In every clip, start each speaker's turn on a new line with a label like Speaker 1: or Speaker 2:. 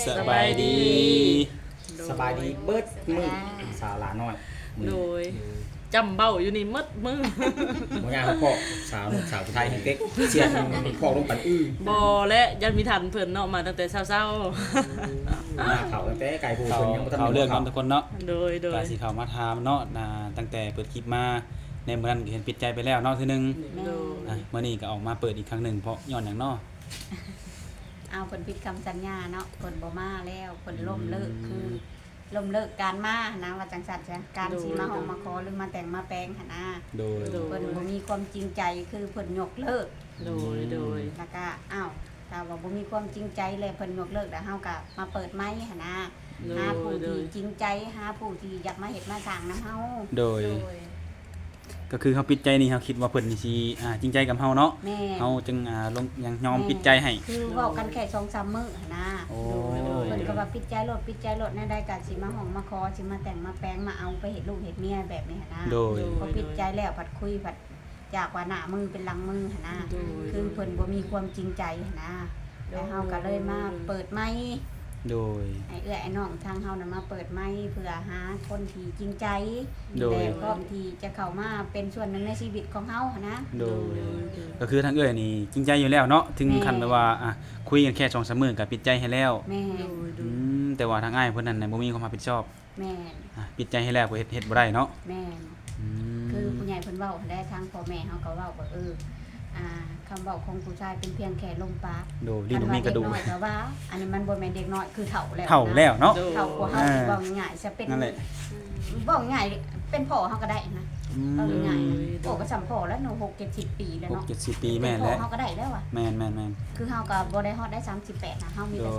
Speaker 1: สบายดี
Speaker 2: สบายดีเบิดมือสาวหลาน้อย
Speaker 1: โดยจำเบ้าอยู่นี่มัดมือ
Speaker 2: บ่ยากพ่อสาวนุ่มสาวไทยเด็กเสียนพ่อลงปัน
Speaker 1: บ่และยันมีทันเพิ่นเนาะมาตั้งแต่เช้า
Speaker 2: มาเขาตั้งแต่ไก่ผู้เพิ่นยังบ่ทัน
Speaker 3: เขาเรื่องกันทุกคนเนาะ
Speaker 1: ๆโดย
Speaker 3: กาสิเข้ามาถามเนาะตั้งแต่เปิดคลิปมาในมื้อนั้นก็เห็นปิดใจไปแล้วเนาะทีนึง
Speaker 1: โดย
Speaker 3: มื้อนี้ก็ออกมาเปิดอีกครั้งหนึงเพราะย้อนหยังเนาะ
Speaker 4: เอาเพิ่นผิดคำสัญญาเนาะเพิ่นบ่มาแล้วเพิ่นล้มเลิกคือล้มเลิกการมานะว่าจังซั่นจ้ะการสิมาห้องมาขอหรือมาแต่งมาแปลงหั่นนะ
Speaker 3: โดย
Speaker 4: เพิ่นบ่มีความจริงใจคือเพิ่นยกเลิก
Speaker 1: โดย
Speaker 4: แล้วก็อ้าวถ้าว่าบ่มีความจริงใจเลยเพิ่นยกเลิกแล้วเฮาก็มาเปิดไม้หั่นนะหาผู้ที่จริงใจหาผู้ที่อยากมาเฮ็ดมาสร้างนำเฮา
Speaker 3: โดยก็คือเฮาปิดใจนี่เฮาคิดว่าเพิ่นนี่สิจริงใจกับเฮาเนาะ
Speaker 4: แม่
Speaker 3: เฮาจึงลงยังยอมปิดใจให้
Speaker 4: คือเว้ากันแค่ 2-3 มื้อหั่นนะ
Speaker 3: โอ้
Speaker 4: เพิ่นก็ว่าปิดใจโลดแน่ได้ก็สิมาห้องมาขอสิมาแต่งมาแปลงมาเอาไปเฮ็ดลูกเฮ็ดเมียแบบนี้หั่นนะ
Speaker 3: โดย
Speaker 4: พอปิดใจแล้วผัดคุยผัดจากว่าหน้ามือเป็นหลังมือหั่นนะคือเพิ่นบ่มีความจริงใจหั่นนะแล้วเฮาก็เลยมาเปิดไม้
Speaker 3: โดย
Speaker 4: ไอ้ไอ้น้องทางเฮาน่ะมาเปิดไม้เพื่อหาคนที่จริงใจ
Speaker 3: โดย
Speaker 4: แต่พร้อมที่จะเข้ามาเป็นส่วนหนึ่งในชีวิตของเฮาหั่นนะ
Speaker 3: โดยก็คือทางเอ้ยนี่จริงใจอยู่แล้วเนาะถึงขั้นแบบว่าคุยกันแค่2-3มื้อก็ปิดใจให้แล้ว
Speaker 4: แม่
Speaker 3: แต่ว่าทางอ้ายเพิ่นนั่นน่ะบ่มีความรับผิดชอบ
Speaker 4: แม่น
Speaker 3: ปิดใจให้แล้วก็เฮ็ดบ่ได้เนาะ
Speaker 4: แม่นคือผู้ใหญ่เพิ่นเว้าได้ทางพ่อแม่เฮาก็เว้าว่าคำเว้าของผู้ชายเป็นเพียงแค่ลมปาก
Speaker 3: โดลิ้นบ่มีกระดูก
Speaker 4: อันว่าเด็น้อยก็ว่าอันนี้มันบ่แม่นเด็กน้อยคือเฒ่าแล้วนะ
Speaker 3: เฒ่าแล้วเนาะ
Speaker 4: เฒ่ากว่าเฮาสิเว้าง่ายๆจะเป็น
Speaker 3: นั่นแหละ
Speaker 4: เว้าง่ายเป็นพ่อเฮาก็ได้นะเว้าง่ายๆโอ้ก็สำพ่อแล้วหนู6 70 ปีแล้วเนาะ
Speaker 3: 6-70 ปีแม่น
Speaker 4: พ่
Speaker 3: แล้
Speaker 4: อ
Speaker 3: ว
Speaker 4: เฮาก็ได้แล้วอ่ะ
Speaker 3: แม่น
Speaker 4: คือเฮาก็บ่ได้ฮอดได้38นะเฮามีแต่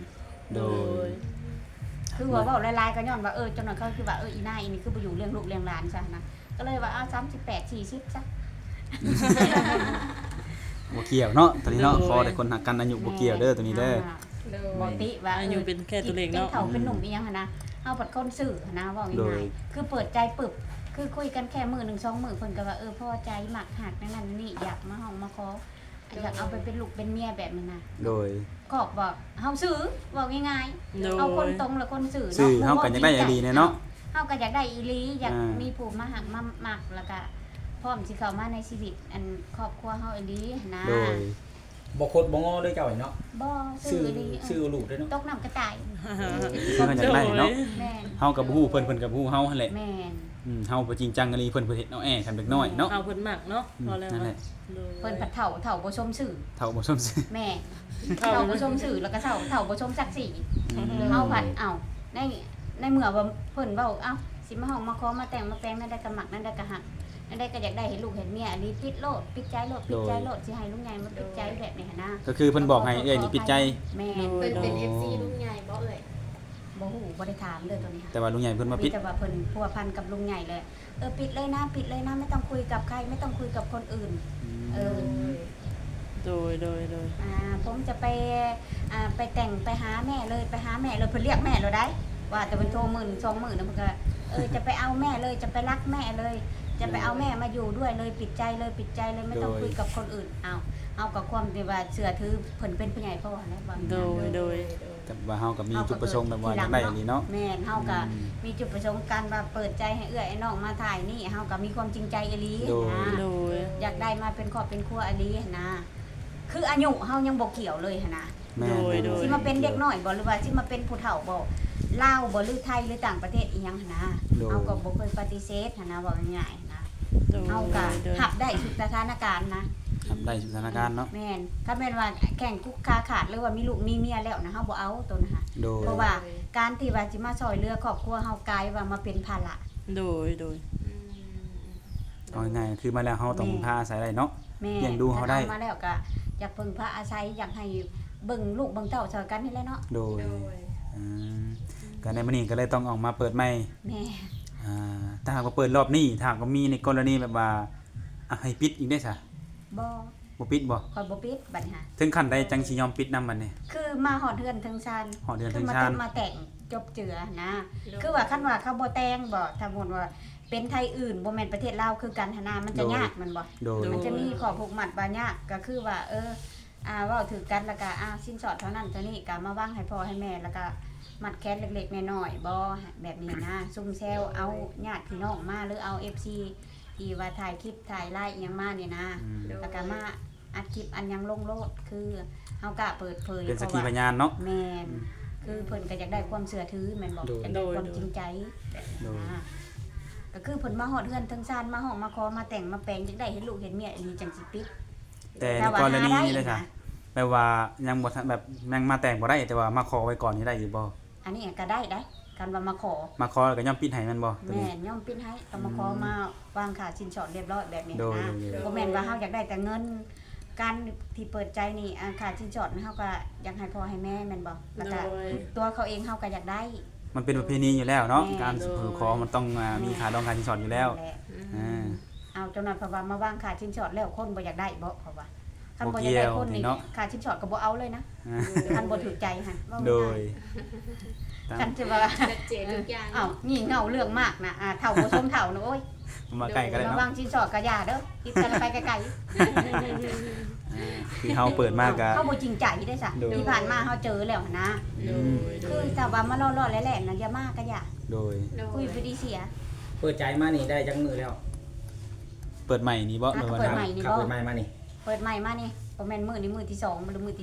Speaker 4: 35
Speaker 3: โดย
Speaker 4: คือว่าเว้าหลายๆก็ย้อนว่าจนนั้นเขาคือว่าอีนายอีนี่คือบ่อยู่เลี้ยงลูกเลี้ยงหลานซะนะก็เลยว่า38 40จ้ะ
Speaker 3: บ่เกี่ยวเนาะตอนนี้เนาะขอแต่คนหักกันอายุบ่เกี่ยวเด้อตัวนี้เด้อ
Speaker 4: บ่ติว่า
Speaker 1: อายุเป็นแค่ตัวเลขเนาะ
Speaker 4: เป็นเฒ่าเป็นหนุ่มอีหยังหั่นนะเฮาปัดคนซื่อหั่นนะเว้าง่ายๆคือเปิดใจปึบคือคุยกันแค่มื้อ1 2มื้อเพิ่นก็ว่าพอใจมักหักนั่นนี่อยากมาห้องมาขออยากเอาไปเป็นลูกเป็นเมียแบบนี้นะ
Speaker 3: โดย
Speaker 4: ก็บอกเฮาซื้อบอกง่าย
Speaker 1: โดย
Speaker 4: ๆเอาคนตรงและคนซื่อ
Speaker 3: ซื้อเฮาก็อยากได้อีหลีแน่เนาะ
Speaker 4: เฮาก็อยากได้อีหลีอยาก
Speaker 3: มี
Speaker 4: มีผู้มาหักมามักแล้วก็พร้อมสิเข้ามาในชีวิตอันครอบครัวเฮาอีหลีนะ
Speaker 3: โดย
Speaker 2: บ่คดบ่งอเลยเจ้าไอ้เนาะ
Speaker 4: บ่
Speaker 2: ซื้
Speaker 4: ซื้
Speaker 2: อ
Speaker 4: ออีหลี
Speaker 2: ซื้อลูกด้วยเนาะ
Speaker 4: ตกน้ำกระต่าย
Speaker 3: คือเขาอยากได้เนาะ
Speaker 4: แม่น
Speaker 3: เฮากับบ่ฮู้เพิ่นก็บ่ฮู้เฮาหั่นแหละ
Speaker 4: แม่น
Speaker 3: เฮาบ่จริงจังอีหลีเพิ่นเฮ็ดเอาแอ้คันเด็กน้อยเนาะ
Speaker 1: เอาเพิ่นมักเนาะพอแล้ว
Speaker 3: นั่นแหละ
Speaker 4: เพิ่นผัดเฒ่าบ่ชมสื่อ
Speaker 3: เฒ่าบ่สมซื่อ
Speaker 4: แม่เฒ่าบ่ชมสื่อแล้วก็เฒ่าบ่ชมศักดิ์ศรีเฮาผัดในเมื่อว่าเพิ่นเว้าสิมาห้องมาขอมาแต่งมาแปลงนั่นได้ก็มักนั่นได้ก็หักนั่นได้ก็อยากได้เห็นลูกเห็นเมียอันนี้ปิดโลดปิดใจโลดสิให้ลุงใหญ่มาปิดใจแบบนี้หั่นนะ
Speaker 3: ก็คือเพิ่นบอกให้เอ้ยนี่ปิดใจ
Speaker 4: แม่
Speaker 5: เพิ่นเป็น
Speaker 3: โอ้
Speaker 5: FC ลุงใหญ่บ่เอ่ย
Speaker 4: บ่ฮู้บ่ได้ถามเลยตัวนี้
Speaker 3: แต่ว่าลุงใหญ่เพิ่นมา
Speaker 4: มี
Speaker 3: ปิด
Speaker 4: แต่ว่าเพิ่นพัวพันกับลุงใหญ่เลยปิดเลยนะไม่ต้องคุยกับใครไม่ต้องคุยกับคนอื่น
Speaker 1: โดย
Speaker 4: ผมจะไปแต่งไปหาแม่เลยเพิ่นเรียกแม่เราได้ว่าแต่เพิ่นโทร10,000 20,000นะเพิ่นก็จะไปเอาแม่เลยจะไปรักแม่เลย จะไปเอาแม่มาอยู่ด้วยเลยปิดใจเลยไม่ต้องคุยกับคนอื่นเอากับความที่ว่าเชื่อถือเพิ่นเป็นผู้ใหญ่พ่อแล้วว่า
Speaker 1: โดย
Speaker 3: แต่ว่าเฮาก็มีจุดประสงค์แบบว่าอยากได้อันนี้เนาะ
Speaker 4: แม่นเฮาก็มีจุดประสงค์การว่าเปิดใจให้ไอ้น้องมาถ่ายนี่เฮาก็มีความจริงใจอีหลีนะ
Speaker 1: โดย
Speaker 4: อยากได้มาเป็นครอบเป็นครัวอีหลีนะคืออายุเฮายังบ่เกี่ยวเลยนะ
Speaker 3: แม่น
Speaker 4: สิมาเป็นเด็กน้อยบ่หรือว่าสิมาเป็นผู้เฒ่าบ่ลาวบ่หรือไทยหรือต่างประเทศอีหยังนะเฮาก็บ่เคยปฏิเสธนะว่าง่ายๆนะเฮาก็รับได้ทุกสถานการณ์นะ
Speaker 3: ทำได้สถานการณ์เนาะ
Speaker 4: แม่นถ้าแม่นว่าแข่งคุกคาขาดหรือว่ามีลูกมีเมียแล้วนะเฮาบ่เอาตัวนะคะ
Speaker 3: โดย
Speaker 4: เพราะว่าการที่ว่าสิมาซอยเรือครอบครัวเฮากลายว่ามาเป็นภาระ
Speaker 1: โดย
Speaker 3: เอาง่ายๆคือมาแล้วเฮาต้องพึ่งพาอาศัยได้เนาะ
Speaker 4: แม่
Speaker 3: เลี้ยงดูเฮาได้
Speaker 4: มาแล้วก็อยากพึ่งพาอาศัยอยากให้เบิ่งลูกเบิ่งเต้าซอยกันนี่แหละเนาะ
Speaker 3: โดยก็ในมื้อนี้ก็เลยต้องออกมาเปิดใหม่
Speaker 4: แม่
Speaker 3: ถ้าหากว่าเปิดรอบนี้ถ้าหากว่ามีในกรณีแบบว่าให้ปิดอีกได้ซะ
Speaker 4: บ่
Speaker 3: บ่ปิดบ่
Speaker 4: คอยบ่ปิดบัดนี้ค่ะ
Speaker 3: ถึงขั้นใดจังสิยอมปิดนำบัดนี้
Speaker 4: คือมาหอดเฮือนถึงชาน
Speaker 3: หอดเรือนถึง
Speaker 4: คือ
Speaker 3: ชาน
Speaker 4: มาแต่งจบเจือนะ คือว่าคันว่าเขาบ่แต่งบ่ถ้าหมดว่าเป็นไทยอื่นบ่แม่นประเทศลาวคือกันหนนามันจะยากมันบ่
Speaker 3: โดย
Speaker 4: มันจะมีข้อผูกมัดบางอย่างก็คือว่าเว้าถือกันแล้วก็สินสอดเท่านั้นเท่านี้ก็มาวางให้พ่อให้แม่แล้วก็มัดแคสเล็กๆน้อยๆบ่แบบนี้นะซุ่มแซวเอาญาติพี่น้องมาหรือเอา FC ที่ว่าถ่ายคลิปถ่ายไลฟ์อิหยังมาเนี่ยนะแล้วก็มาอัดคลิปอันยังลงโลดคือเฮากะเปิดเผย
Speaker 3: เป็นสักขีพยานเนาะ
Speaker 4: แม่นคือเพิ่นก็อยากได้ความเชื่อถือแม่นบ่อยากได้ความจริงใจก็คือเพิ่นมาฮอดเฮือนทั้งซ่านมาห้องมาขอมาแต่งมาแปลงจังได้เห็นลูกเห็นเมียอันนี้จังสิปิด
Speaker 3: แต่ในกรณีนี้เลยค่ะแปลว่ายังบ่ทันแบบยังมาแต่งบ่ได้แต่ว่ามาขอไว้ก่อนนี่ได้อยู่บ่
Speaker 4: อันนี้ก็ได้การว่ามาขอ
Speaker 3: มาขอแล้วก็ย่อมปิดให้มันบ่ตัว
Speaker 4: แม่
Speaker 3: นี้
Speaker 4: นย่อมปิ้นให้ต้องมาขอมาวางค่าสินสอดเรียบร้อยแบบนี้
Speaker 3: โดย
Speaker 4: นะ
Speaker 3: โดย
Speaker 4: บ่แม่นว่าเฮาอยากได้แต่เงินการที่เปิดใจนี่ค่าสินสอดเฮาก็อยากให้พ่อให้แม่แม่นบ่แล้วก็
Speaker 1: โดย
Speaker 4: ตัวเขาเองเฮาก็อยากได้
Speaker 3: มันเป็นประเพณีอยู่แล้วเนาะ
Speaker 4: แม่
Speaker 3: การสู่ขอมันต้องมีค่าดองค่าสินสอดอยู่แล้ว
Speaker 4: นั่นหะ
Speaker 3: อ่า
Speaker 4: เอาจนนั้นเพราะว่ามาวางค่าสินสอดแล้วคนบ่อยากได้บ่เพราะว่าคัน
Speaker 3: บ่
Speaker 4: บ่อ
Speaker 3: เกี่
Speaker 4: ยาก
Speaker 3: ย
Speaker 4: ได้
Speaker 3: ว
Speaker 4: คน
Speaker 3: นี่
Speaker 4: นี่
Speaker 3: เนาะ
Speaker 4: ค่าสินสอดก็บ่เอาเลยนะ
Speaker 3: อ่า
Speaker 4: คันบ่ถูกใจหั่นว่า
Speaker 3: โด
Speaker 4: ง่าย
Speaker 3: ย
Speaker 4: กันจะว่า
Speaker 5: ชัดเจนทุกอย่าง
Speaker 4: อ้าวงี่เง่าเรื่องมากนะเฒ่าบ่สมเฒ่านะโอ้ย
Speaker 3: มาใกล้กันเลย
Speaker 4: มา
Speaker 3: เนาะ
Speaker 4: วางสินสอดก็อย่าเด้อคิดกันไปไกล
Speaker 3: คือเฮาเปิดมากก็
Speaker 4: เขาบ่จริงใจได้ซะ
Speaker 3: โดย
Speaker 4: ที่ผ่านมาเฮาเจอแล้วนะ
Speaker 1: โดยโด
Speaker 4: คือย ถ้าว่ามาล่อๆแหล่ๆนั่นอย่ามาก็อย่า
Speaker 3: โดย
Speaker 4: คุยไปดีเสีย
Speaker 2: เปิดใจมานี่ได้จังมือแล้ว
Speaker 3: เปิดใหม่นี่บ่
Speaker 4: อ่ะ
Speaker 3: หรือว่า
Speaker 4: เปิดใหม่ นี่
Speaker 2: ครับ
Speaker 4: บ่
Speaker 2: เปิดใหม่มานี่
Speaker 4: เปิดใหม่มานี่บ่แม่นมื้อนี้มื้อที่2หรือมื้อที่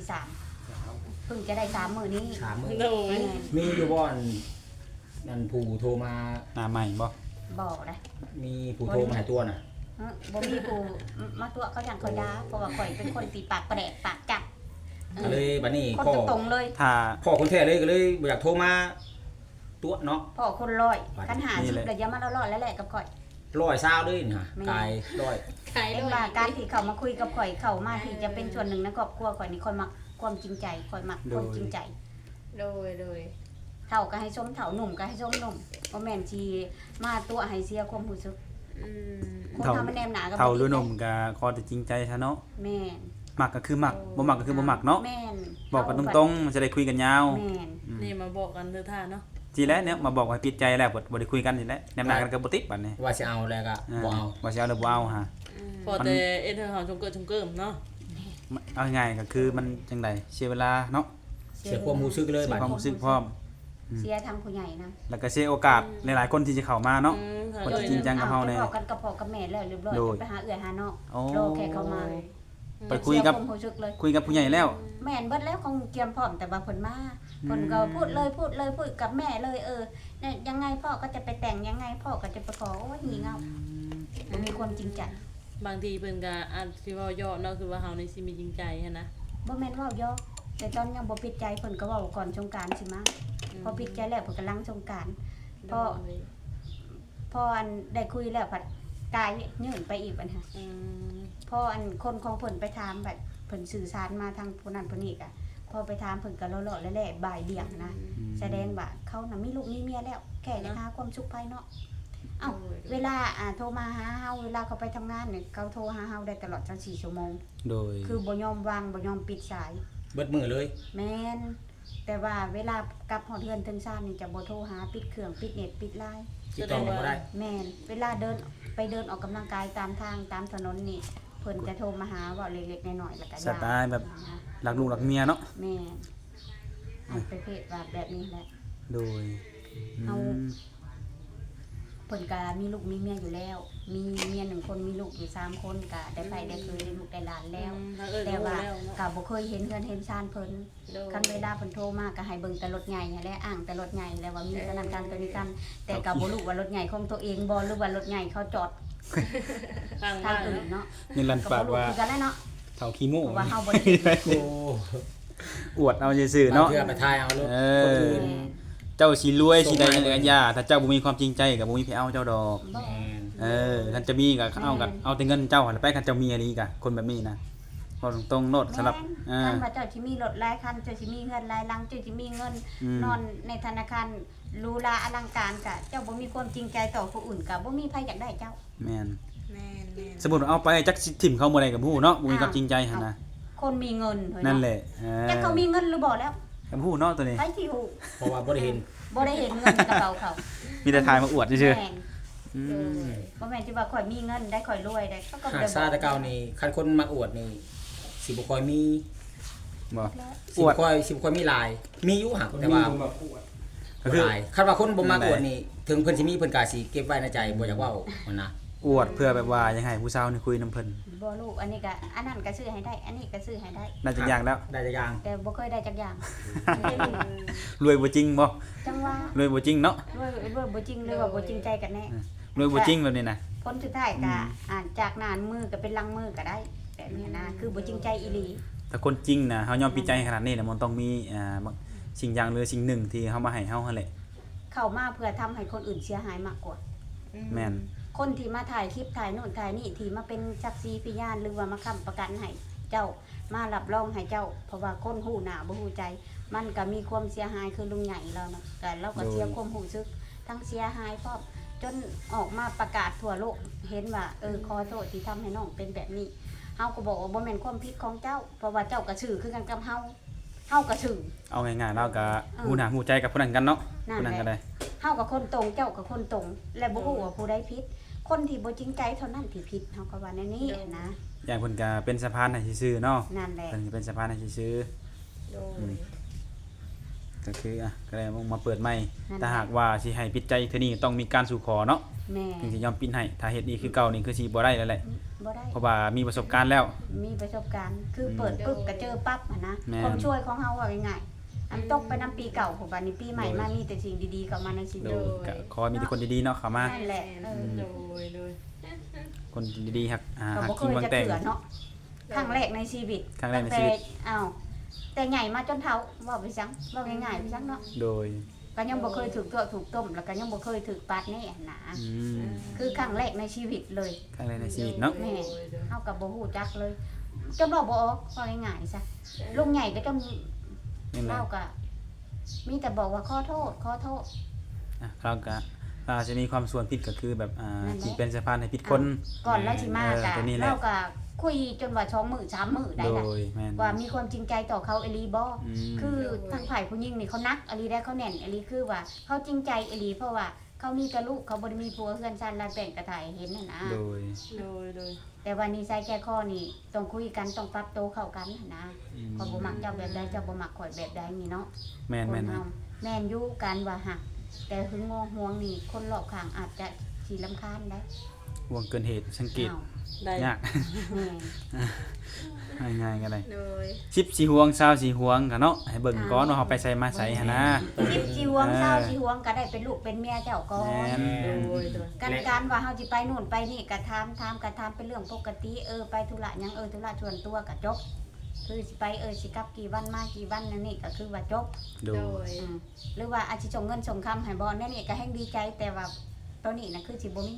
Speaker 4: 3เพิ่งจะได้3มื้อนี้
Speaker 2: ถามมือ
Speaker 1: โดย
Speaker 2: มีอยู่บ่อนนั่นผู้โทรมา
Speaker 3: หน้าใหม่บ่
Speaker 4: บอกนะ
Speaker 2: มีผู้โทรมาหาตัวน่ะ
Speaker 4: บ่มีผู้มาตัวเขาอย่างเขาด่าเพราะว่าข่อยเป็นคนตีปากแปรกปากจัด
Speaker 2: ก็เลยบัดนี้
Speaker 4: คน
Speaker 2: พ่อ
Speaker 4: ตรงๆเลย
Speaker 3: ถ้า
Speaker 2: พ่อคนแท้เลยก็เลยบ่อยากโทรมาตัวเนาะ
Speaker 4: พ่อคนร้อยคันหา
Speaker 3: นี่
Speaker 4: สิบ
Speaker 3: แหละ
Speaker 4: แล้วอย่ามาล่อๆแหละๆกับข่อย
Speaker 2: 120เลยนี่ฮะ
Speaker 4: แม่
Speaker 2: กายร้อย
Speaker 5: ขาย
Speaker 4: เห็
Speaker 5: ด้
Speaker 4: น
Speaker 5: วย
Speaker 4: ว่าการที่เขามาคุยกับข่อยเข้ามาที่จะเป็นส่วนหนึ่งในครอบครัวข่อยนี่ข่อยมักความจริงใจข่อยมักคนจริงใจ
Speaker 5: โดย
Speaker 4: เฒ่าก็ให้ส้มเฒ่าหนุ่มก็ให้ส้มหนุ่มบ่แม่นสิมาตัวให้เสียความรู้สึก
Speaker 5: อืม
Speaker 4: คนทำมันแนมหนากับ
Speaker 3: เท่าหรือหนุ่มก็ขอแต่จริงใจซะเนาะ
Speaker 4: แม่น
Speaker 3: มักก็คือมักบ่มักก็คือบ่มักเนาะ
Speaker 4: แม่น
Speaker 3: บอกกันตรงๆมันจะได้คุยกันยาว
Speaker 4: แม่น
Speaker 1: นี่มาบอกกันเถอะท่าเนาะ
Speaker 3: ทีแรกเนี่ยมาบอกว่าปิดใจแล้วบ่ได้คุยกันทีแรกแนมหน้ากันก็บ่ติดบัดนี้
Speaker 2: ว่าสิเอาแล้วก็บ่เอา
Speaker 3: ว่าสิเอาหรือบ่เอาฮะ
Speaker 1: พอแต่เอ็นเธอร์เฮาชงเกิดชงเกิมเนาะ
Speaker 3: เอาง่ายๆก็คือมันจังไดเสียเวลาเนาะ
Speaker 2: เสียความรู้สึกเลย
Speaker 3: เสีย
Speaker 2: บัด
Speaker 3: ความรู้สึกพร้อม
Speaker 4: เสียทางผู้ใหญ่นะ
Speaker 3: แล้วก็เสียโอกาสหลายๆคนที่จะเข้ามาเนาะ คนที่จริงจังกับเฮาแน่
Speaker 4: บอกกันกับพ่อกับแม่แล้วเรียบร้อย
Speaker 3: โดย
Speaker 4: ไปหาเอื้อยหาน้อง
Speaker 3: โอ้
Speaker 4: รอแค่เขามา
Speaker 3: ไปคุยกับ
Speaker 4: เสีความรู้สึกเลย
Speaker 3: คุยกับผู้ใหญ่แล้ว
Speaker 4: แม่นเบิดแล้วคงเตรียมพร้อมแต่ว่าเพิ่นมาเพิ่นก็พูดเลยพูดกับแม่เลยเนี่ยยังไงพ่อก็จะไปแต่งยังไงพ่อก็จะไปขอโอ้ยงี่เง่ามันมีความจริงใจ
Speaker 1: บางทีเพิ่นก็อาจสิเว้าย่อเนาะคือว่าเฮานี่สิมีจริงใจหันนะ
Speaker 4: บ่แม่นเว้ายอกแต่ตอนยังบ่ปิดใจเพิ่นก็เว้าก่อนสงกรานต์สิมาพอปิดใจแล้วเพิ่นก็ลังสงกรานต์ พ่อ พออันได้คุยแล้วผัดกายยื่นไปอีกปัญหา
Speaker 1: อืม
Speaker 4: พออันคนของเพิ่นไปถามแบบเพิ่นสื่อสารมาทางผู้นั้นผู้นี้ก็พอไปถามเพิ่นก็เลาะๆแหละๆบ่ายเบี่ยงนะแสดงว่าเขาน่ะมีลูกมีเมียแล้วแค่จะหาความสุขภายนอกเอ้าเวลาโทรมาหาเฮาเวลาเขาไปทำงานเนี่ยเขาโทรหาเฮาได้ตลอด24ชั่วโมง
Speaker 3: โดย
Speaker 4: คือบ่ยอมวางบ่ยอมปิดสาย
Speaker 2: เบิดมือเลย
Speaker 4: แม่นแต่ว่าเวลากลับฮอดเฮือนถึงซ่านนี่จะบ่โทรหาปิดเครื่องปิดเน็ตปิดไลน์
Speaker 2: ติดต่อกันบ่ได้
Speaker 4: แม่นเวลาเดินไปเดินออกกำลังกายตามทางตามถนนนี่เพิ่นจะโทรมาหาเว่าเล็กๆน้อยๆแล้วก็
Speaker 3: สไตล์แบบรักลูกรักเมียเนาะ
Speaker 4: แม่นอันประเภทว่าแบบนี้แหละ
Speaker 3: โดย
Speaker 4: เอา เพิ่นก็มีลูกมีเมียอยู่แล้ว มีเมีย1คนมีลูกอยู่3คนก็ได้ไปได้เคยได้ลูกได้หลานแล้ว
Speaker 1: ถ้าเอ้ย
Speaker 4: แต่
Speaker 1: รู้
Speaker 4: ว่า
Speaker 1: แล้วเนาะ
Speaker 4: ก็บ่เคยเห็นเฮือนเห็นชานเพิ่น
Speaker 5: โดย
Speaker 4: คันเวลาเพิ่นโทรมาก็ให้เบิ่งแต่รถใหญ่นั่นแหละอ้างแต่รถใหญ่แล้วว่ามีธนาคารตัวนี้กัน แต่ก็บ่รู้ว่ารถใหญ่ของตัวเองบ่หรือว่ารถใหญ่เขาจอด
Speaker 1: ข้าง
Speaker 4: ทา
Speaker 1: บ้าง น
Speaker 4: อื่น
Speaker 1: เนาะ
Speaker 4: เนาะ
Speaker 3: นี่ลัน
Speaker 4: ก็
Speaker 3: ปา
Speaker 4: บ่
Speaker 3: ก
Speaker 4: รู้
Speaker 3: ว่า
Speaker 4: คือกันแหล้วเนาะ
Speaker 3: เท่าขี้โม่
Speaker 4: เพราะว่าเฮาบ่ได้
Speaker 2: โอ้
Speaker 3: อวดเอาซื่อๆเนาะ
Speaker 2: เพื่อไปทายเอารถ
Speaker 3: เอ
Speaker 2: คน
Speaker 3: อ
Speaker 2: อื่น
Speaker 3: เจ้าสิรวยสิได้จังได๋ย่าถ้าเจ้าบ่มีความจริงใจก็บ่มีไผเอาเจ้าดอก
Speaker 4: บ่
Speaker 2: แม่น
Speaker 3: คันจะมีก็เอากันเอาแต่เงินเจ้าหั่นแหละไปคันเจ้ามีอันนี้ก็คนแบบนี้นะบอกตรงๆโนดสำหรับ
Speaker 4: แม่นคันว่าเจ้าสิมีรถหลายคันเจ้าสิมีเงินหลายหลังเจ้าสิมีเงิน นอนในธนาคารหรูหราอลังการก็เจ้าบ่มีความจริงใจต่อผู้อื่นก็บ่มีไผอยากได้เจ้า
Speaker 3: แม่น
Speaker 5: แม่น
Speaker 3: สมมุติว่าเอาไปจักสิถิ่มเขาบ่ได้กับผู้เนาะบ่มีความจริงใจหั่นนะ
Speaker 4: คนมีเงินเฮ้ย
Speaker 3: นั่น
Speaker 4: เนาะ
Speaker 3: แหละ
Speaker 4: จักเขามีเงินหรือบ่แล้ว
Speaker 3: กับผู้เนาะตัวนี้
Speaker 4: ไผสิฮู้
Speaker 2: เพราะว่าบ่ได้เห็น
Speaker 4: บ่ได้เห็นเงินในกระเป๋าเขา
Speaker 3: มีแต่ทายมาอวดซื่อ
Speaker 4: แม่น
Speaker 3: ๆอืม
Speaker 4: บ่แม่นสิว่าข่อยมีเงินได้ข่อยรวยได้เขาก็
Speaker 2: หา
Speaker 4: บ่
Speaker 2: กซาแตะเก่านี่คันคนมักอวดนี่สิบ่ค่อยมี
Speaker 3: บ่
Speaker 2: สิบค่อยมีหลายมีอยู่หักแต่ว่า
Speaker 3: ก็คือ
Speaker 2: หลายคันว่าคนบ่มักอวดนี่ถึงเพิ่นสิมีเพิ่นก็สิเก็บไว้ในใจบ่อยากเว้ามันนะ
Speaker 3: อวดเพื่อแบบว่ายังให้ผู้สาวนี่คุยนํเพิ่น
Speaker 4: บ่ลูกอันนี้ก็อันนั้นก็ซื้อให้ได้ อันนี้ก็ซื้อให้ได้
Speaker 3: น่าจะยากแล้ว
Speaker 2: ได้จักอย่าง
Speaker 4: แต่บ่เคยได้จักอย่าง
Speaker 3: รวยบ่จริงบ่
Speaker 4: จังว่าร
Speaker 3: วยบ่จริงเนาะ
Speaker 4: ด้วยบ่จริงหรือว่าบ่จริงใจกันแน่
Speaker 3: รวยบ่จริงแบบนี้นะ
Speaker 4: ผลสุดท้ายก็จากหน้ามือก็เป็นหลังมือก็ได้แบบนี้นะคือบ่จริงใจอีหลี
Speaker 3: ถ้าคนจริงนะเฮายอมปิดใจขนาดนี้นะมันต้องมีสิ่งอย่างหรือสิ่งหนึ่งที่เฮามาให้เฮาหั่นแหละ
Speaker 4: เข้ามาเพื่อทำให้คนอื่นเสียหายมากกว่า
Speaker 3: แม่น
Speaker 4: คนที่มาถ่ายคลิปถ่ายโน่นถ่ายนี่ที่มาเป็นสักขีพยานหรือว่ามาค้ำประกันให้เจ้ามารับรองให้เจ้า เพราะว่าคนหูหน้าบ่ฮู้ใจ มันก็มีความเสียหายคือลุงใหญ่แล้วเนาะแต่เราก็เสียความรู้สึกทั้งเสียหายพร้อมจนออกมาประกาศทั่วโลกเห็นว่าขอโทษที่ทำให้น้องเป็นแบบนี้เฮาก็บอกว่าบ่แม่นความผิดของเจ้า เพราะว่าเจ้าก็ชื่อคือกันกับเฮาก็ชื่อ
Speaker 3: เอาง่ายๆเราก็ฮู้หน้าฮู้ใจกับผู้นั้นกันเนาะ
Speaker 4: นั่น
Speaker 3: ผู้นั้น
Speaker 4: แห
Speaker 3: ก็
Speaker 4: ละ
Speaker 3: ได้
Speaker 4: เฮากับคนตรงเจ้ากับคนตรง และบ่ฮู้ว่าผู้ใดผิดคนที่บ่จริงใจเท่านั้นที่ผิดเฮาก็ว่าแนวนี้นะ
Speaker 3: อย่างเพิ่นก็เป็นสะพานให้ซื่อๆเนาะ
Speaker 4: นั่นแหละ
Speaker 3: เพิ่นก็เป็นสะพานให้ซื่อ
Speaker 5: โดย
Speaker 3: ๆก็คือก็เลยมาเปิดใหม่ถ้าหากว่าสิให้ปิดใจเทื่อนี้ต้องมีการสู่ขอเนาะ
Speaker 4: แม่
Speaker 3: ถึงสิยอมปิดให้ถ้าเฮ็ดอีกคือเก่านี่คือสิบ่ได้แล้วแหละ
Speaker 4: บ่ได้
Speaker 3: เพราะว่ามีประสบการณ์แล้ว
Speaker 4: มีประสบการณ์คือเปิดปุ๊บก็เจอปั๊บอะนะ
Speaker 3: แม่น
Speaker 4: ความช่วยของเฮาว่าง่ายๆอันตกไปนํปีเก่าของบัดนี้ปีใหม่มามีแต่สิ่งดีๆเข้ามาในชีวิ
Speaker 3: โด
Speaker 4: ต
Speaker 3: ยก็ขอให้มีแต่คนดีๆเนาะเข้ามา
Speaker 4: นั่นแหละ
Speaker 1: โดย
Speaker 3: คนดีๆฮัก
Speaker 4: ก็
Speaker 3: ฮัก
Speaker 4: บ่เค
Speaker 3: กิน
Speaker 4: ย
Speaker 3: บาง
Speaker 4: จะ
Speaker 3: แต่ง
Speaker 4: เถื่อเนาะครั้งแรกในชีวิต
Speaker 3: ครั้งแรกในชีวิต
Speaker 4: แต่ใหญ่มาจนเฒ่าว่าไปซังว่าง่ายๆไปซังเนาะ
Speaker 3: โดย
Speaker 4: ก็ยังบ่เคยถูกตัวถูกต้มแล้วก็ยังบ่เคยถูกปาดแน่นะ
Speaker 3: อืม
Speaker 4: คือครั้งแรกในชีวิตเลย
Speaker 3: ครั้งแรกในชีวิตเนาะ
Speaker 4: แม่เฮากับบ่ฮู้จักเลยจนเราบ่ออกว่าง่ายๆซะลุงใหญ่ก็จน
Speaker 3: นี่แหละ
Speaker 4: เล่าก็มีแต่บอกว่าขอโทษ
Speaker 3: เราก็อาจจะมีความส่วนผิดก็คือแบบ
Speaker 4: นั่นแหละ
Speaker 3: ที่เป็นสะพานให้ผิดคน
Speaker 4: ก่อนแล้วสิมาก็
Speaker 3: ตัวนี้แหละ
Speaker 4: เราก็คุยจนว่า2มื้อ3มื้อได้
Speaker 3: โด
Speaker 4: ล่ะ
Speaker 3: ยแม่น
Speaker 4: ว่ามีความจริงใจต่อเขาอีหลีบ่
Speaker 3: ม
Speaker 4: คือทางฝ่ายผู้หญิงนี่เขานักอีหลีได้เขาแน่นอีหลีคือว่าเขาจริงใจอีหลีเพราะว่าเขามีแต่ลูกเขาบ่ได้มีผัวเฮือนซ่านลานแป้งกระถ่ายเห็นน่ะนะ
Speaker 3: โดย
Speaker 4: แต่วันนี้ใส่แก้ข้อนี่ต้องคุยกันต้องปรับโตวเข้ากันหั้นนะข่อยบ่มักเจ้าแบบใดเจ้าบ่มักข่อยแบบใดนี่เนาะ
Speaker 3: แม่น
Speaker 4: ค
Speaker 3: แม่น
Speaker 4: นเฮาแม่นอยู่กันว่าหัก แต่หึงงอห่วงนี่คนรอบข้างอาจจะสิรำคาญได้
Speaker 3: ห่วงเกินเหตุสังเกต
Speaker 4: อ้าว
Speaker 1: ได้
Speaker 3: ยาก
Speaker 4: แม่น
Speaker 3: ง่ายๆก็ได้
Speaker 5: โดย
Speaker 3: 10สิห่วง20สิห่วงก็เนาะให้เบิ่งก่อนว่าเฮาไปใส่มาใส่หั่นนะ
Speaker 4: สิบสิห่วงเศร้าสิห่วงก็ได้เป็นลูกเป็นเมียเจ้าก่อ
Speaker 3: แม่
Speaker 4: น
Speaker 3: น
Speaker 4: การว่าเฮาสิไปนู่นไปนี่ก็ถามเป็นเรื่องปกติไปธุระหยังธุระส่วนตัวก็จบคือสิไปสิกลับกี่วันมากี่วันนั่นนี่ก็คือว่าจบ
Speaker 3: โด
Speaker 5: โด
Speaker 3: ย
Speaker 5: ย
Speaker 4: หรือว่าอาจสิส่งเงินส่งคำให้บ่นั่นนี่ก็แฮงดีใจแต่ว่าตัวนี้น่ะคือสิบ่มี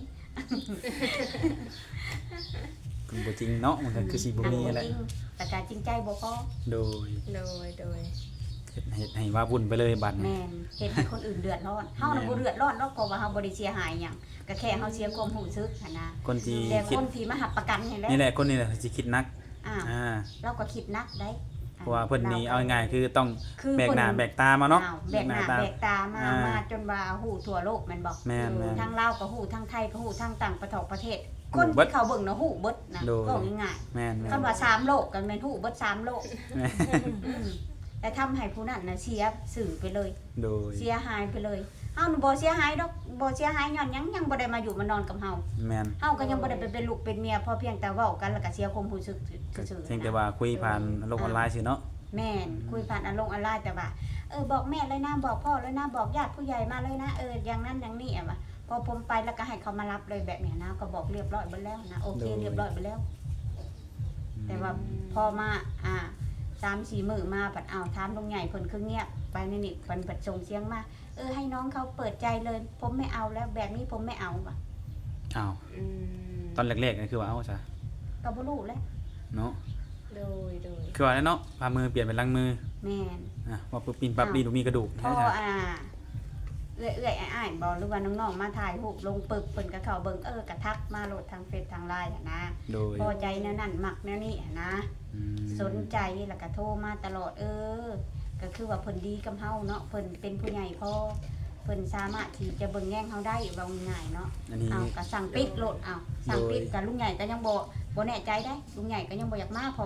Speaker 3: คือบ่จริงเนาะมันก็คือสิบ่มีแหละ
Speaker 4: จริงแต่ก็จริงใจบ่พอ
Speaker 3: โดย
Speaker 5: โดย โดย
Speaker 3: เฮ็ดให้ว่าวุ่นไปเลยบัดนี้
Speaker 4: แม่นเฮ็ดให้คนอื่นเดือดร้อนเฮาน่ะบ่เดือดร้อนหรอกเพราะว่าเฮาบ่ได้เสียหายหยังก็แค่เฮาเสียความรู้สึกหั่นนะ
Speaker 3: คนที่
Speaker 4: แต่
Speaker 3: คิ
Speaker 4: ค
Speaker 3: ด
Speaker 4: นที่มาหับประกันนี่แหละ
Speaker 3: นี่แหละคนนี้แหละสิคิดนัก
Speaker 4: อ้าว เราก็คิดนักได้
Speaker 3: เพราะว่าเพิ่นนี่เอาง่ายๆคือต้อง
Speaker 4: คือ
Speaker 3: แบกหน้าแบกตามาเนาะ
Speaker 4: อ้วแบกหน้าแบกตามามาจนว่าฮู้ทั่วโลกแม่นบ่
Speaker 3: แม่นแม่น
Speaker 4: ทั้งลาวก็ฮู้ทั้งไทยก็ฮู้ทั้งต่างประเทศ
Speaker 3: ฮู้
Speaker 4: คน
Speaker 3: เบิด
Speaker 4: ที่เขาเบิ่งน่ะฮู้เบิดนะ
Speaker 3: โดย
Speaker 4: ก็ง่าย
Speaker 3: แม่น
Speaker 4: ๆ
Speaker 3: แม่น
Speaker 4: คำว่า3โลกก็แม่นฮู้เบิด3โลก
Speaker 3: แม่น
Speaker 4: อืมแต่ทำให้ผู้นั้นน่ะเสียสื่อไปเลย
Speaker 3: โดย
Speaker 4: เสียหายไปเลยเฮาน่ะบ่เสียหายดอกบ่เสียหายย้อนหยังบ่ได้มาอยู่มานอนกับเฮา
Speaker 3: แม่น
Speaker 4: เฮาก็ยังบ่ได้ไปเป็นลูกเป็นเมียพอเพียงแต่เว้ากันแล้วก็เสียความรู้สึกซื่อๆ
Speaker 3: เพียงแต่ว่าคุยผ่านโลกออนไลน์ซื่อเนาะ
Speaker 4: แม่นคุยผ่านออนไลน์แต่ว่าบอกแม่เลยนะบอกพ่อเลยนะบอกญาติผู้ใหญ่มาเลยนะอย่างนั้นอย่างนี้อ่ะว่ะพอผมไปแล้วก็ให้เขามารับเลยแบบเนี้ยนะก็บอกเรียบร้อยไปแล้วนะโอเคเรียบร้อยไปแล้ว แต่ว่าพอมา3-4 มื้อมาปัดเอาถามลุงใหญ่เพิ่นคือเงียบไปนี่เพิ่นปัดส่งเสียงมาให้น้องเขาเปิดใจเลย ผมไม่เอาแล้วแบบนี้ผมไม่เอาว่ะ
Speaker 3: อ้าว
Speaker 5: อืม
Speaker 3: ตอนแรกๆนี่คือว่าเอ้าซะ
Speaker 4: ก็บ่รู้แล้ว
Speaker 3: เนาะ
Speaker 5: โดย โดย
Speaker 3: คือว่าแล้วเนาะพามือเปลี่ยนเป็นหลังมือ
Speaker 4: แม่น
Speaker 3: ว่าปุ๊บปินปั๊บดีดูมีกระดูก
Speaker 4: พ
Speaker 3: ใช่
Speaker 4: อ
Speaker 3: จ้ะ
Speaker 4: เอื้อยๆอ้ายๆบอกหรือว่าน้องๆมาถ่ายรูปลงปึกเพิ่นก็เข้าเบิ่งกระทักมาโหลดทางเฟซทางไลน์อะนะ
Speaker 3: โดย
Speaker 4: พอใจแนวนั้นมักแนวนี้อะนะ
Speaker 3: อืม
Speaker 4: สนใจแล้วก็โทรมาตลอดก็คือว่าเพิ่นดีกับเฮาเนาะเพิ่นเป็นผู้ใหญ่พอเพิ่นสามารถที่จะเบิ่งแย่งเฮาได้ว่าง่ายๆเนาะ
Speaker 3: อันนี้
Speaker 4: เอาก็สั่งปิดโหลดเอาสั่งปิดกับลุงใหญ่ก็ยังบ่แน่ใจได้ลุงใหญ่ก็ยังบ่อยากมาเพราะว่า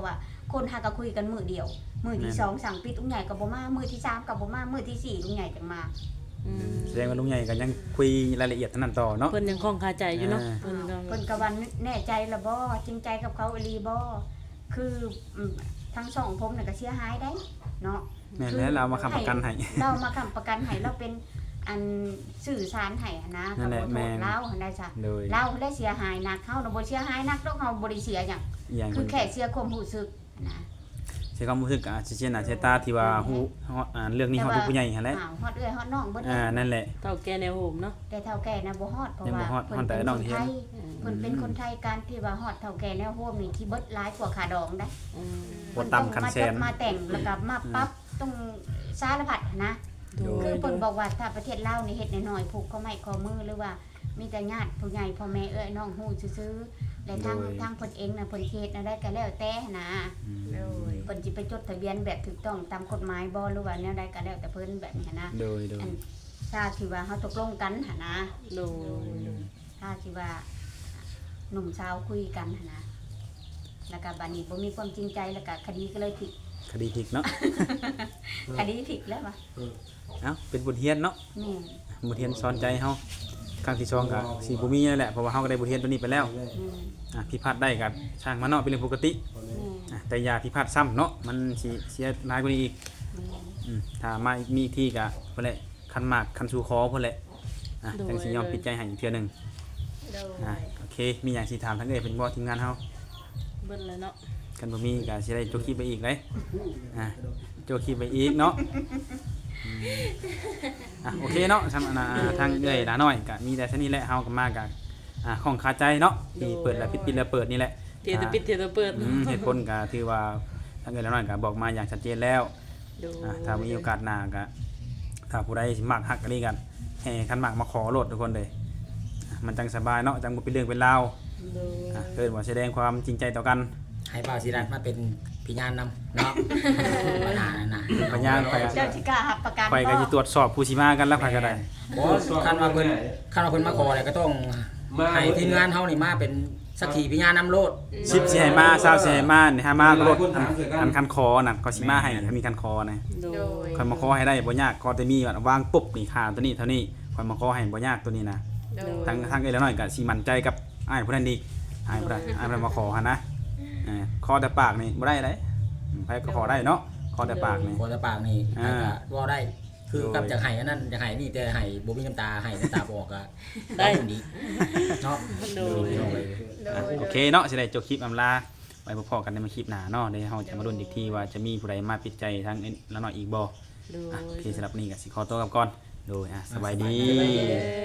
Speaker 4: คนหาก็คุยกันมื้อเดียวมื้อที่สองสั่งปิดลุงใหญ่ก็บ่มามื้อที่สามก็บ่มามื้อที่สี่ลุงใหญ่จังมา
Speaker 3: แสดงว่าลุงใหญ่ก็ยังคุยรายละเอียดเท่านั้นต่อเนาะ
Speaker 1: เพิ่นยังคล่องคาใจอยู่เนาะ
Speaker 3: อ่า
Speaker 1: เพิ่นก็
Speaker 4: เพิ่นก็ว่าแน่ใจละบ่จริงใจกับเขาอีหลีบ่คือทั้งสองผมน่ะก็เสียหายได้เนาะ
Speaker 3: แม่นแล้วเรามาค้ำประกันให้
Speaker 4: เรามาค้ำประกันให้เราเป็นอันสื่อสารให้นะ
Speaker 3: นั่นแหละ
Speaker 4: ก็บ่โทษ
Speaker 3: แม่น
Speaker 4: เราหันได้จ้ะ
Speaker 3: โดย
Speaker 4: เราได้เสียหายหนักเฮาน่ะบ่เสียหายหนักดอกเฮาบ่ได้เสียหยัง
Speaker 3: อย่าง
Speaker 4: คือแค่เสียความรู้สึกนะ
Speaker 3: ใช้ความรู้สึกอ่ะสิเช่นน่ะเชตาที่ว่าฮู้เรื่องนี้เฮาเป็นผู้ใหญ่หั่นแหละ
Speaker 4: อ้าวฮอดเอื้อยฮอดน้องเบิด
Speaker 3: นั่นแหละ
Speaker 1: เฒ่าแก่แนวโหมเนาะ
Speaker 4: แต่เฒ่าแก่นะบ่ฮอดเพราะ
Speaker 3: ยังบ่
Speaker 4: ว่า
Speaker 3: ฮอดฮอดแต่
Speaker 4: เป็น
Speaker 3: น้อง
Speaker 4: คน
Speaker 3: เห็น
Speaker 4: ไทยเพิ่นเป็นคนไทยการที่ว่าฮอดเฒ่าแก่แนวโฮมนี่ที่เบิดหลายกว่าค่าดองได้
Speaker 1: อืม
Speaker 3: บ่ต่ำคันแสน
Speaker 4: มาแต่งแล้วก็มาปรับต้องสารพัดนะ
Speaker 1: โดย
Speaker 4: คือเพิ่นบอกว่าถ้าประเทศลาวนี่เฮ็ดน้อยๆผูกข้อไม้ข้อมือหรือว่ามีแต่ญาติผู้ใหญ่พ่อแม่เอ้ยน้องฮู้ซื่อๆและทาง
Speaker 3: โดย
Speaker 4: ทางเพิ่นเองน่ะเพิ่นเฮ็ดน่ะได้ก็แล้วแต่นะ
Speaker 5: โดย
Speaker 4: เพิ่นสิไปจดทะเบียนแบบถูกต้องตามกฎหมายบ่หรือว่าแนวใดก็แล้วแต่เพิ่นแบบนี้นะ
Speaker 3: โดย
Speaker 4: อันถ้าที่ว่าเฮาตกลงกันหั่นนะ
Speaker 1: โดย
Speaker 4: ถ้าที่ว่าหนุ่มสาวคุยกันหั่นนะแล้วก็บัดนี้บ่มีความจริงใจแล้วก็คดีก็เลยผิด
Speaker 3: คดีพลิกเนาะ
Speaker 4: คดีผิดแล้วว่ะ
Speaker 3: เอ้าเป็นบทเรียนเนาะ
Speaker 4: แม่น
Speaker 3: บทเรียนสอนใจเฮาครั้งที่สองก็สิบ่มีนั่นแหละเพราะว่าเฮาก็ได้บทเรียนตัวนี้ไปแล้ว
Speaker 4: แม่น
Speaker 3: ผิดพลาดได้ก็ช่างมันเนาะเป็นเรื่องปกติ
Speaker 4: แม่น
Speaker 3: แต่อย่าผิดพลาดซ้ำเนาะมันสิเสียหลายกว่านี้อีก
Speaker 4: แม่น
Speaker 3: ถ้ามามีอีกที่ก็เพิ่นแหละคันมากคันสู่คอเพิ่นแหละจังสิยอมปิดใจให้อีกเทื่อหนึง
Speaker 5: โดย
Speaker 3: โอเคมีหยังสิถามทั้งเอ้ยเพิ่นบ่ทีมงานเฮา
Speaker 1: เบิ่นแล้วเนาะ
Speaker 3: กันบ่มีก็สิได้โจกคลิปไปอีกเลยโจกคลิปไปอีกเนาะโอเคเนาะสำหรับทางเอ้ยหลาน้อยก็มีแต่เท่านี้แหละเฮาก็มาก็ของคาใจเนาะที่เปิดแล้วปิดแล้วเปิดนี่แหละ
Speaker 1: เทตะปิดเทตะเปิด
Speaker 3: เหตุผลก็ถือว่าทางเอ้ยหลาน้อยก็บอกมาอย่างชัดเจนแล้ว
Speaker 1: โดย
Speaker 3: ถ้ามีโอกาสหน้าก็ถ้าผู้ใดสิมักฮักกันนี่กันแห่คันมักมาขอโลดทุกคนเลยมันจังสบายเนาะจังบ่เป็นเรื่องเป็นราว
Speaker 1: โดย
Speaker 3: เกิดว่าแสดงความจริงใจต่อกัน
Speaker 2: ให้บ่าวศิรัตน์มาเป็นพยานนำเนาะปัญหานั่นน่ะ
Speaker 3: พยานไป
Speaker 4: เจ้าสิกล้ารับประกัน
Speaker 3: ข่อยก็สิตรวจสอบผู้สิมากันแล้วข่อยก็ได้
Speaker 2: บ่คันว่าเพิ่นมาขอเนี่ยก็ต้องให้ทีมงานเฮานี่มาเป็นสักขีพยานนำโลด
Speaker 3: 10สิให้มา20สิให้มานี่หามาก็ลดอันคันคอน่ะก็สิมาให้ถ้ามีคันคอนะ
Speaker 1: โด
Speaker 5: โด
Speaker 1: ย
Speaker 5: ย
Speaker 3: ข่อยมาขอให้ได้บ่ยากขอแต่มีวางปุ๊บนี่ค่าตัวนี้เท่านี้ข่อยมาขอให้บ่ยากตัวนี้นะ
Speaker 5: โดย
Speaker 3: ทางเอ้ยแล้วน้อยก็สิมั่นใจกับอ้ายผู้นั้นอีกอ้ายผู้นั้นมาขอหั่นนะขอแต่ปากนี่บ่ได้เลยไผก็ขอได้เนาะขอแต่ปากนี่
Speaker 2: ขอแต่ปากนี่ก็ว่าได้คือกับจากไห้อันนั้นจากไห้นี่แต่ไห้บ่มีน้ำตาไห้น้ำตาบ่ออกก็ได้ดีเนาะ
Speaker 1: โดย
Speaker 5: โดย
Speaker 3: โอเคเนาะสิได้จบคลิปอำลาไว้พบกันในคลิปหน้าเนาะเดี๋ยวเฮาจะมาลุ้นอีกทีว่าจะมีผู้ใดมาปิดใจทางละน้อยอีกบ่
Speaker 1: โดย
Speaker 3: โอเคสำหรับนี้ก็สิขอตัวกลับก่อนโดยสบายดี
Speaker 1: สบายดี